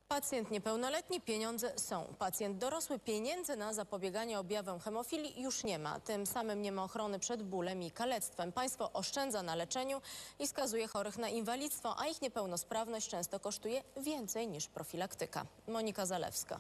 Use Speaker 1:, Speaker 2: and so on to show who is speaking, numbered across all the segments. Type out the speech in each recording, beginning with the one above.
Speaker 1: Pacjent niepełnoletni, pieniądze są. Pacjent dorosły, pieniędzy na zapobieganie objawom hemofilii już nie ma. Tym samym nie ma ochrony przed bólem i kalectwem. Państwo oszczędza na leczeniu i skazuje chorych na inwalidztwo, a ich niepełnosprawność często kosztuje więcej niż profilaktyka. Monika Zalewska.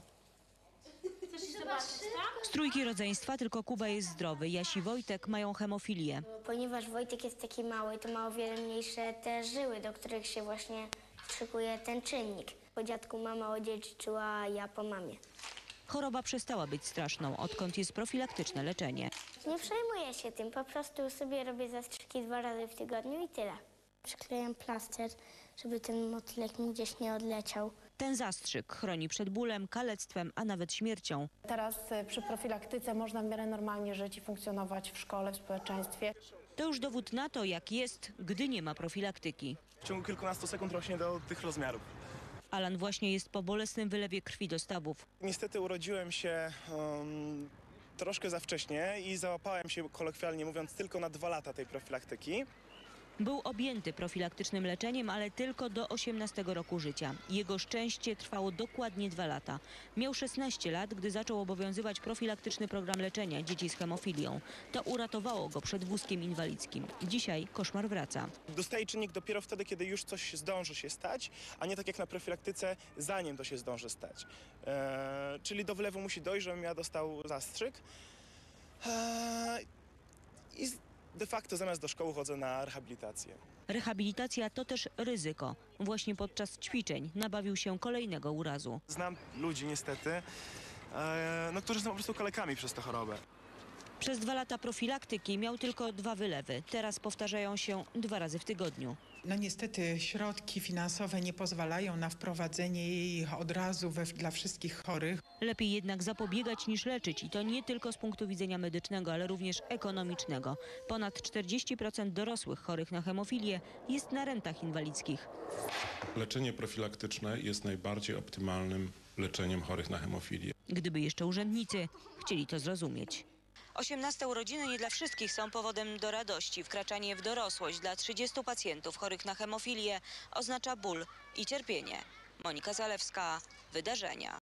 Speaker 2: Z trójki rodzeństwa tylko Kuba jest zdrowy. Jaś i Wojtek mają hemofilię.
Speaker 3: Ponieważ Wojtek jest taki mały, to ma o wiele mniejsze te żyły, do których się właśnie szykuje ten czynnik. Po dziadku mama odziedziczyła, a ja po mamie.
Speaker 2: Choroba przestała być straszną, odkąd jest profilaktyczne leczenie.
Speaker 3: Nie przejmuję się tym, po prostu sobie robię zastrzyki 2 razy w tygodniu i tyle. Przyklejam plaster, żeby ten motylek mi gdzieś nie odleciał.
Speaker 2: Ten zastrzyk chroni przed bólem, kalectwem, a nawet śmiercią.
Speaker 4: Teraz przy profilaktyce można w miarę normalnie żyć i funkcjonować w szkole, w społeczeństwie.
Speaker 2: To już dowód na to, jak jest, gdy nie ma profilaktyki.
Speaker 5: W ciągu kilkunastu sekund rośnie do tych rozmiarów.
Speaker 2: Alan właśnie jest po bolesnym wylewie krwi do stawów.
Speaker 5: Niestety urodziłem się troszkę za wcześnie i załapałem się, kolokwialnie mówiąc, tylko na 2 lata tej profilaktyki.
Speaker 2: Był objęty profilaktycznym leczeniem, ale tylko do 18 roku życia. Jego szczęście trwało dokładnie 2 lata. Miał 16 lat, gdy zaczął obowiązywać profilaktyczny program leczenia dzieci z hemofilią. To uratowało go przed wózkiem inwalidzkim. Dzisiaj koszmar wraca.
Speaker 5: Dostaje czynnik dopiero wtedy, kiedy już coś zdąży się stać, a nie tak jak na profilaktyce, zanim to się zdąży stać. Czyli do wylewu musi dojść, żebym ja dostał zastrzyk. I de facto zamiast do szkoły chodzę na rehabilitację.
Speaker 2: Rehabilitacja to też ryzyko. Właśnie podczas ćwiczeń nabawił się kolejnego urazu.
Speaker 5: Znam ludzi niestety, którzy są po prostu kalekami przez tę chorobę.
Speaker 2: Przez 2 lata profilaktyki miał tylko 2 wylewy. Teraz powtarzają się 2 razy w tygodniu.
Speaker 6: No niestety środki finansowe nie pozwalają na wprowadzenie jej od razu dla wszystkich chorych.
Speaker 2: Lepiej jednak zapobiegać niż leczyć i to nie tylko z punktu widzenia medycznego, ale również ekonomicznego. Ponad 40% dorosłych chorych na hemofilię jest na rentach inwalidzkich.
Speaker 7: Leczenie profilaktyczne jest najbardziej optymalnym leczeniem chorych na hemofilię.
Speaker 2: Gdyby jeszcze urzędnicy chcieli to zrozumieć. 18 urodziny nie dla wszystkich są powodem do radości. Wkraczanie w dorosłość dla 30 pacjentów chorych na hemofilię oznacza ból i cierpienie. Monika Zalewska, Wydarzenia.